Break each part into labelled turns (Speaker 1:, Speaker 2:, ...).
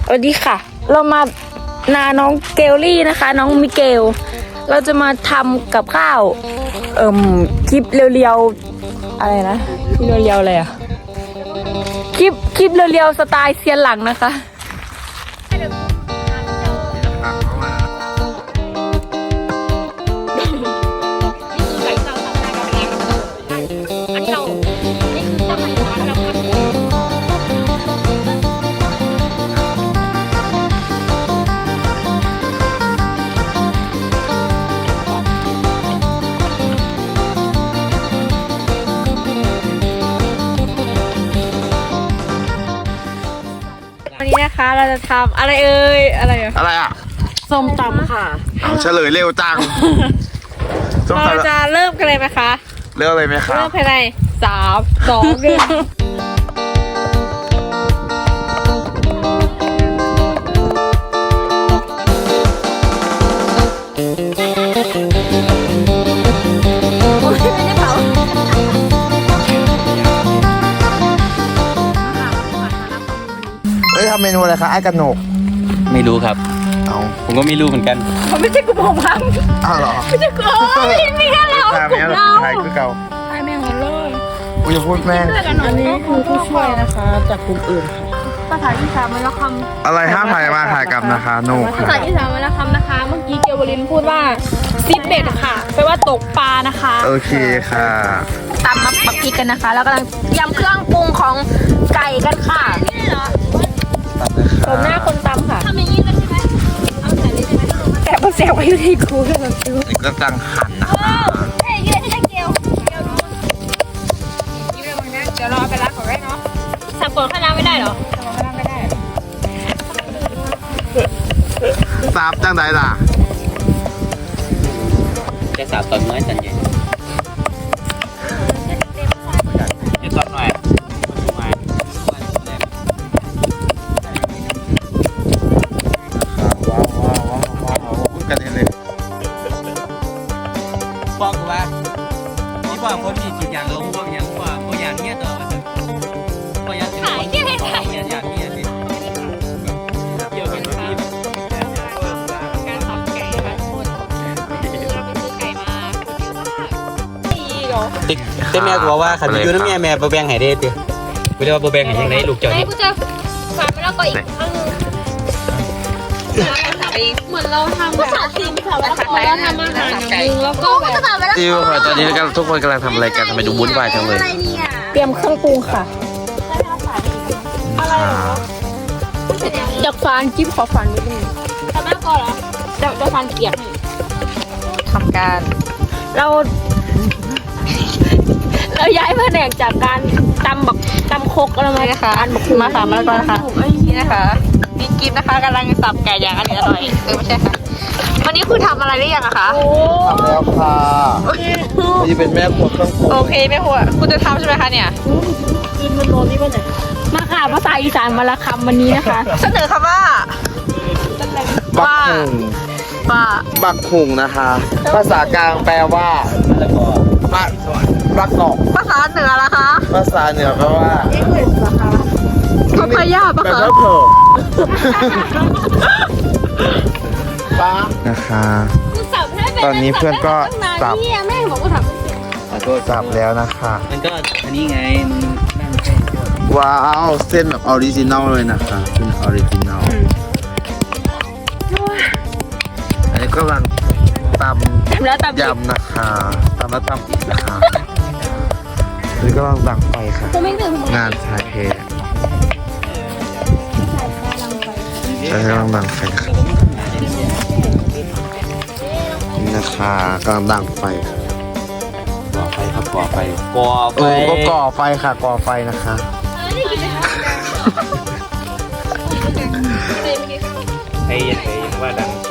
Speaker 1: สวัสดีค่ะ เรามานาน้องเกลลี่นะคะ น้องมิเกลเราจะมาทำกับข้าวคลิปเรียวๆอะไรนะคลิปเรียวๆอะไรอะคลิปเรียวๆสไตล์เซียนหลังนะคะวันนี้นะคะเราจะทำอะไรอะไรอ่ะส้มตำค่ะ
Speaker 2: เฉลยเร็วจัง
Speaker 1: เราจะเริ่มกันเลยไหมคะ
Speaker 2: เริ่มเลยไหมครับ
Speaker 1: เริ่มภายใน3 2 1
Speaker 2: เฮ้ยทำเมนูอะไรคะไอ้กระหนก
Speaker 3: ไม่รู้ครับ ผมก็ไม่รู้เหมือนกัน
Speaker 1: มันไม่ใช่กลุ่มของพัง
Speaker 2: อ้าวเหรอ
Speaker 1: ไม่ใช่กลุ่มมีแค่เรากลุ่มเรา
Speaker 2: ไทยคือเก่า
Speaker 1: ไอ้แม่งหมดเลย
Speaker 2: อุ้ยอย่าพูดแม่ง
Speaker 1: อันนี้คือผู้ช่วยนะคะจากกลุ่มอื่นภาษาอีสานมันละคำ
Speaker 2: อะไรห้ามถ่ายมาถ่ายกลับนะคะโน
Speaker 1: ภาษาอีสานมันละคำนะคะ เมื่อกี้เกียวบรินพูดว่าซิดเบ็ดค่ะแปลว่าตกปลานะคะ
Speaker 2: โอเคค่ะ
Speaker 1: ตำมาปักพริกกันนะคะ แล้วกำลังยำเครื่องปรุงของไก่กันค่ะผมหน้าคนตำค่ะทำอย่างนี้เลยใช่ไหมเอาใส่เลยใช่ไหมแต่พอแซวไปอยู่ที่กูเลยแบบ
Speaker 2: นี่ก็ตั้งหั่นนะคะ
Speaker 1: เฮ้ยยืนให้ได้เกียวเดี๋ยวรอไปล้างก่อนได้เนาะสับก่อนข้างล่างไม่ได้เหรอสับก่อนข้างล่างไม่ได้
Speaker 2: ทราบจังใดล่ะ
Speaker 3: จะสาวตอนน้อยตอนเย็นจะตอนหน่อย
Speaker 2: กันเลย
Speaker 3: บอกกูว่านี่บอกคนมีจิตอย่างลงบอกอย่างว่าบอกอย่างเนี้ยต่อมาบอกอย่างถ่ายแค่ให้ถ่ายอย่างเนี้ยสิเกี่ยวกับที่การทำไก่ค่ะคนเราไปซื้อไก่มาแต่แม่บอกว่าขันอยู่น้ำแม่บะแบงไห้ได้ติไม่ได้ว่าบะแบงไห้ยังไงลูกเจ้าเนี่ย
Speaker 1: กูจะฝานไปแล้วก็อีกครั้งเหมือนเราทำแบบสิ่งแบบเราทำอาหารอย่างนึงแล้วก็แบบ
Speaker 2: จิวค่ะตอนนี้ทุกคนกำลังทำอะไรกันทำไมดูวุ่นวายจังเลย
Speaker 1: เตรียมเครื่องปรุงค่ะจากฟานจิ๊บขอฟานนิดนึงทำมากก่อนเหรอจะฟานเกียกทำการเราย้ายแผนกจากการตำคกอะไรมานะคะอันบักมาสามแล้วก็นะคะนี่นะคะนี่กิฟนะคะกำลังสับไก่อย่างอร่อยไม่ใช่ค่ะวันนี้คุณทำอะไรหรือยังอะคะ
Speaker 2: ทำแล้วค่ะนี่เป็นแม่ครัวเครื่องปรุง
Speaker 1: โอเคแม่ครัวคุณจะทำใช่ไหมคะเนี่ยกินมันร้อนนี่ป่ะเนี่ยมาค่ะภาษาอีสานมาละคำวันนี้นะคะเสนอคำว่า
Speaker 2: บักหุงบักหุงนะคะ ภาษากลางแปลว่าบักกอก
Speaker 1: ภาษาเหนือละคะ
Speaker 2: ภาษาเหนือแปลว่า
Speaker 1: พัพยาปะ
Speaker 2: แบบ
Speaker 1: คะ
Speaker 2: ว่าเผิ่ป้านะคะ ตอนนี้เพื่อนก็สับ
Speaker 1: แม่บอกว่าทำ
Speaker 2: สับแล้วนะคะ
Speaker 3: มันก็อันนี้ไงมันนั่นใช่
Speaker 2: ว้าวเส้นแบบออริจินัลเลยนะคะเป็นออริจินัลอันนี้ก็กำลังตำยำนะคะตำแล้วตำอีกนะคะอันนี้ก็กำลังดังไฟค่ะงานชายเทอันนี้กำลังดังไฟค่ะนี่นะคะกำลังดังไฟค่ะ
Speaker 3: ก่อไฟครับก่อไฟก่อไฟ
Speaker 2: ก็ก่อไฟค่ะก่อไฟนะคะ
Speaker 3: ไอ้ยังว่าดังไฟ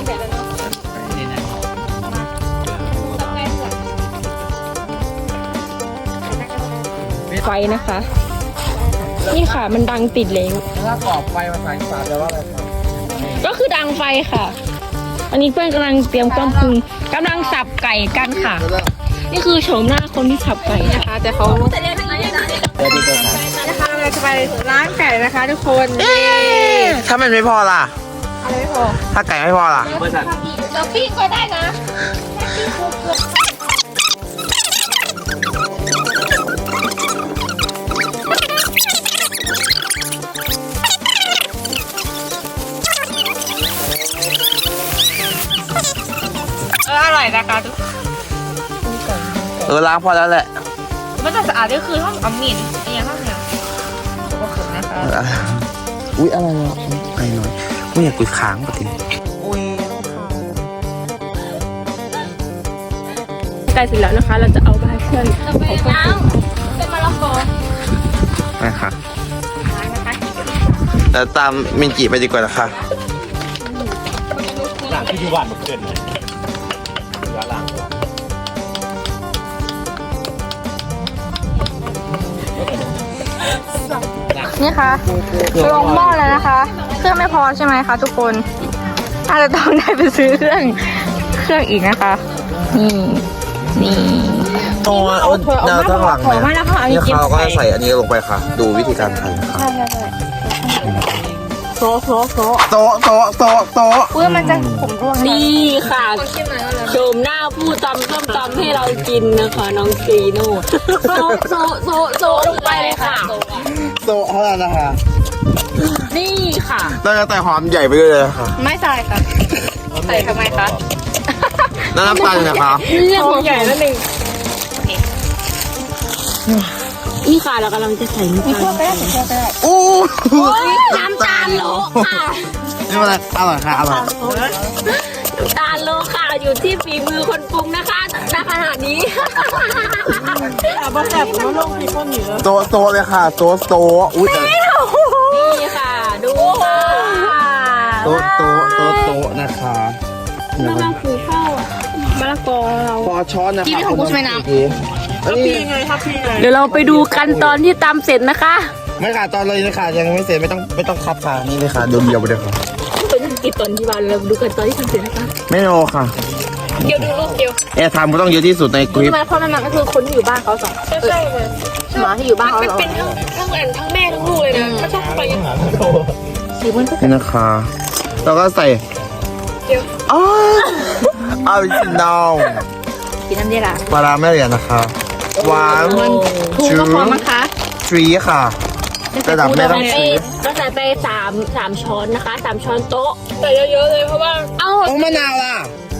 Speaker 1: ไฟนะคะ นี่ค่ะมันดังติดเลย
Speaker 2: ถ้าก่อไฟภาษาอีสานแปลว่าอะไรครับ
Speaker 1: ก็คือดังไฟค่ะ อันนี้เพื่อนกำลังเตรียมเครื่องปรุงกำลังสับไก่กันค่ะ นี่คือโฉมหน้าคนที่สับไก่นะคะ แต่เขา
Speaker 3: เดี๋ยวนี้ก็ขาย
Speaker 1: นะคะเราจะไปล้างไก่นะคะทุกคน
Speaker 2: ถ้ามันไม่พอล่ะ
Speaker 1: อะไรไม่พอ
Speaker 2: ถ้าไก่ไม่พอล่ะ
Speaker 1: เราปิ้งก็ได้นะอร่อยนะคะทุก
Speaker 2: ล้างพอแล้วแหละ
Speaker 1: มันจะสะอาดก็คือห้องอมินเนี่ยห้องเนี่ยก็ขมนะคะ
Speaker 2: อุ๊ยอะไรอ่ะไก่หน่อยไม่อยากกุยค้างปะที
Speaker 1: ใกล้เสร็จแล้วนะคะ เราจะเอาไปให้เพื่อนไปล้างเป็นมะละกอ
Speaker 2: ไปค่ะ
Speaker 1: ล้างนะคะ
Speaker 2: แล้วตามมินจิไปดีกว่านะคะ
Speaker 3: หลังที่อยู่บ้านเกินเลยว่าหลัง
Speaker 1: นี่ค่ะลงหม้อแล้วนะคะ เครื่องไม่พอใช่ไหมคะทุกคนอาจจะต้องได้ไปซื้อเครื่องอีกนะคะ นี่
Speaker 2: โอ้ยแนวข้างหลัง
Speaker 1: ขอมาแล้วค่ะอันนี้
Speaker 2: นี่
Speaker 1: จิ้ม
Speaker 2: เขาก็จะใส่อันนี้ลงไปค่ะ ดูวิธีการทำค่ะ
Speaker 1: โซ่
Speaker 2: โต๊ะโต๊ะโต๊ะโต๊ะ
Speaker 1: เพื่อมันจะขมร่วง
Speaker 4: นี่ค่ะโฉมหน้าผู้ตำส้มตำให้เรากินนะคะ น้องซีโน่โซลงไปเลยค่ะ
Speaker 2: โต๊ะเท่านั้นนะคะ
Speaker 4: นี่ค่ะ
Speaker 2: แล้วก็แต่หอมใหญ่ไปด้วยเลยค่ะ
Speaker 1: ไม่ใส่ค่ะใส่ทำไมคะ
Speaker 2: แล้วน้ำตาลนะคะ
Speaker 4: เรื่องของใหญ่แล้วหนึ่งนี่ค่ะเรากำลังจะใส่น้ำตาล
Speaker 2: อู้
Speaker 4: น้ำตาลโลค่ะ
Speaker 2: นี่มันอร่อยค่ะอร่อย
Speaker 4: น้ำตาลโลค่ะ อยู่ที่ฝีมือคนปรุงนะคะณขณะนี้
Speaker 2: โต๊ะโต๊ะเลยค่ะโต๊ะโต๊ะอุ้ยแต่
Speaker 4: นี่ค่ะ ดูค่ะ
Speaker 2: โต๊ะโต๊ะโต๊ะโต๊ะนะคะ
Speaker 4: นั่นก็คือข้าวมะละกอเรา
Speaker 2: พอช้อนนะคะ
Speaker 1: ที่ของกูใช่ไหมน้ำ
Speaker 2: อันนี้
Speaker 4: เดี๋ยวเราไปดูกันตอนที่ตำเสร็จนะคะ
Speaker 2: ไม่ค่ะตอนเลยนะคะยังไม่เสร็จไม่ต้องคับค่ะนี่เลยค่ะเดียวไปเลยค่ะ
Speaker 4: เป็นกี่ตอนที่บ้านเราดูกันตอนที่ทำเสร็จนะคะ
Speaker 2: ไม่โนค่ะ
Speaker 1: เดี๋ยวดูรูปเดียว
Speaker 2: แอร์ไทม์ก็ต้องเยอะที่สุดในคลิป
Speaker 1: ทำไมเพราะมันก็คือคนที่อยู่บ้านเขาสองใช่เลย
Speaker 4: หมาที่อยู่บ้านเขา
Speaker 1: มัน
Speaker 4: เหรอ
Speaker 1: เป็นทั้งแม่ทั้งลูกเลยนะมันชอบไป
Speaker 2: นี่นะคะแล้วก็ใส่อ๋อออริจินอล
Speaker 1: กินน้ำดีละ
Speaker 2: ปลาร้าแม่เหรียญนะคะหวาน
Speaker 1: ถูกก็พอมั้งคะ
Speaker 2: ทรีค่ะระดับแม่ต้องทรี
Speaker 4: เราใส่ไปสามช้อนนะคะ3 ช้อนโต๊ะใส่เยอะๆเลยเพราะว่าเอา
Speaker 2: โอ้มะนาวล่ะ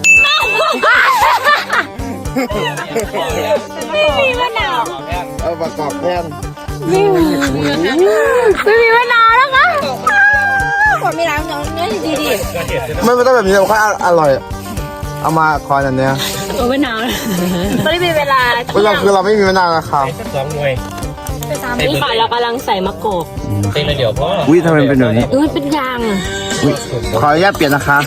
Speaker 4: ไม่มีมะนาว
Speaker 2: เอาประกอบแท่น
Speaker 4: ไม่มีมะนาวนะคะ
Speaker 1: คนไม่ล้างน้องเนี่ยดี
Speaker 2: ไม่ต้องแบบนี้เราค่อยอร่อย เอามาคอยอันเนี้ย
Speaker 4: เอามะนาวตอนนี้เป็นเวลา
Speaker 2: เราคือเราไม่มีมะนาวนะครับ
Speaker 3: 2 หน่วย
Speaker 4: นี่ค่ะเรากำลังใส่มะกอก
Speaker 3: เต็มเลยเดี๋ยวพ่อ
Speaker 2: อุ้ยทำไมเป็นแบบนี้
Speaker 4: มันเป็นยางอะ
Speaker 2: อุ๊ยขออนุญาตเปลี่ยนนะคะ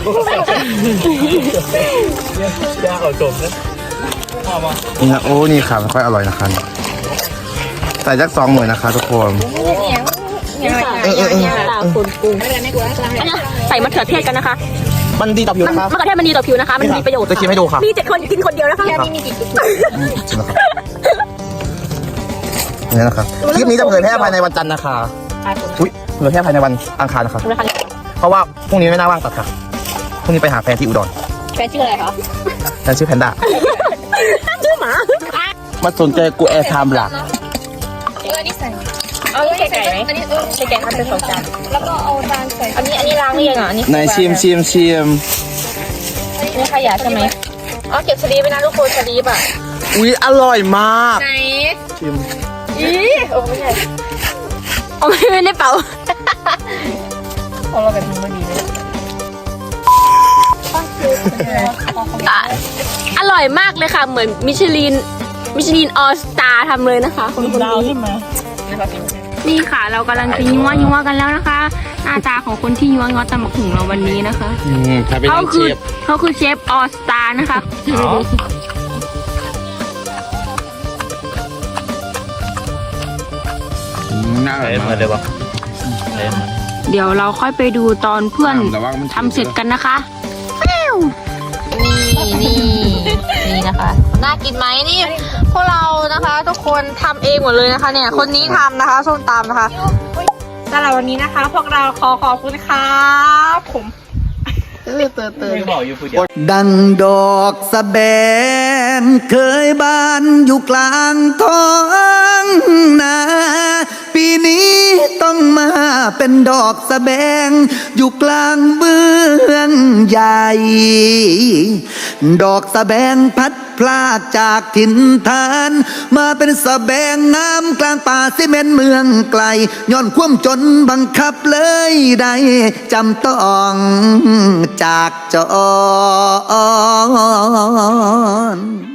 Speaker 3: ยาเอาจมนะพ่อมา
Speaker 2: นี่นะโอ้นี่ค่ะไม่ค่อยอร่อยนะคะใส่สัก2 หน่วยนะคะทุกคน
Speaker 4: นี่ค่ะตาคนปรุงอันนี้ใส่มะเขือเทศกันนะคะ
Speaker 2: มันดีต่อผิวนะคะ
Speaker 4: มะเขือเทศมันดีต่อผิวนะคะ มันมีประโยชน์
Speaker 2: จะชิมให้ดูค่ะ
Speaker 4: มี7 คนกินคนเดียวนะคะมีกี่
Speaker 2: ชิมนะครับนี่นะครับคลิปนี้จะเผยแพร่ภายในวันจันทร์นะคะอุ้ยเผยแพร่ภายในวันอังคารนะคะ เพราะว่าพรุ่งนี้ไม่น่าว่างตัดค่ะพรุ่งนี้ไปหาแฟนที่อุดร
Speaker 1: แฟนชื่ออะไรคะ
Speaker 2: แฟนชื่อแพนด้า
Speaker 4: ชื่อหมา
Speaker 2: มาสนใจกูแอร์ไทม์หลัก
Speaker 1: นี่ใส่เอาใส่ไก่ไหมอันนี้ใส่ไก่ทำเป็น2 จานแล้วก็เอาจานใส่อันนี้ล้างหรือยังอ่ะอันนี้
Speaker 2: ไหนชิม
Speaker 1: นี่ขยะใช่ไหมอ๋อเก็บสลีปไปนะทุกคนสลีปอ่ะ
Speaker 2: อุ้ยอร่อยมาก
Speaker 1: ไหน
Speaker 2: ชิม
Speaker 1: อีโอ้ไม่ใช่
Speaker 4: เอาไม่ได้เป่า
Speaker 1: ของเราแบบนี้ไม่ดีเลย
Speaker 4: อร่อยมากเลยค่ะ เหมือนมิชลินออสตาทำเลยนะคะคนนี้นี่ค่ะ เรากำลังจะยัวกันแล้วนะคะ หน้าตาของคนที่ยัวตำบักหุ่งเราวันนี้นะคะ
Speaker 2: ถ้าเป็น
Speaker 4: เขาคือเชฟออสตานะคะ
Speaker 2: น่าอร่อย
Speaker 3: เหมื
Speaker 2: มา
Speaker 3: อก นเลยวะ
Speaker 4: เดี๋ยวเราค่อยไปดูตอนเพื่อนทำเสร็จกันนะคะ
Speaker 1: นี่นะคะ น่ากินไหมนี่พวกเรานะคะ ทุกคนทำเองหมดเลยนะคะ เนี่ยคนนี้ทำนะคะส้มตำนะคะ
Speaker 5: สำหรับวันนี้นะคะ พวกเราขอขอบคุณครับผม
Speaker 3: ไม่บอกอยู่ผู้เดียว
Speaker 6: ดังดอกสะแบงเคยบานอยู่กลางท้องนาปีนี้ต้องมาเป็นดอกสะแบงอยู่กลางเมืองใหญ่ ดอกสะแบงพัดพลากจากถิ่นฐาน มาเป็นสะแบงงามกลางป่าซีเมนต์เมืองไกลย้อนความจนบังคับเลยได้จำต้องจากจอน